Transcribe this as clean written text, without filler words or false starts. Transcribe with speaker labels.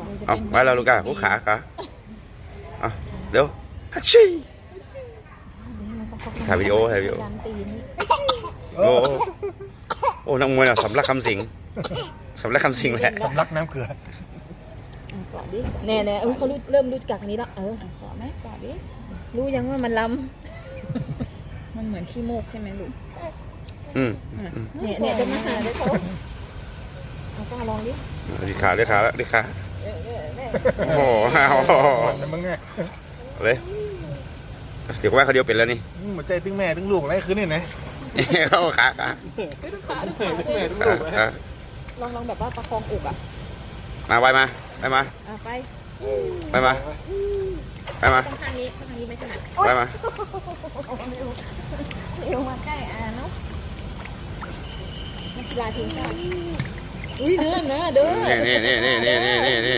Speaker 1: เอาไว้แล้วลูกก้าหัวขาเอาเร็วฮัชชี่ถ่ายวิดีโอโอ้โอ้นักมวยอ่ะสำลักคำสิงแหละ
Speaker 2: สำลักน้ำเกลือ
Speaker 3: กอดดิ
Speaker 4: แน่เขาเริ่มรู้จักอันนี้แล้ว
Speaker 3: กอดไหมกอดดิ
Speaker 4: รู้ยังว่ามันล้
Speaker 3: มันเหมือนขี้โมกใช่ไหมลูก
Speaker 4: ำเนี่ยจะมาหาด้วยเขาเอาก้าลองดิ
Speaker 1: ดีขาแล้วโอ้โห
Speaker 2: มึงไง
Speaker 1: เลยเดี๋ยวว่าเขาเดียวเป็นแล้วนี่
Speaker 2: หัวใจตึงแม่ตึงลูกอะไรคืนนี่นะ
Speaker 1: เขาขา
Speaker 4: ลองแบบว่าประคองอกอ่ะ
Speaker 1: มาไปมา
Speaker 4: ไป
Speaker 1: มา
Speaker 4: ข้างนี้ไม่ถนัด
Speaker 1: ไปมา
Speaker 4: เร็วมาใกล้เนาะนักกีฬาทีมชาติอุ้ยเดิน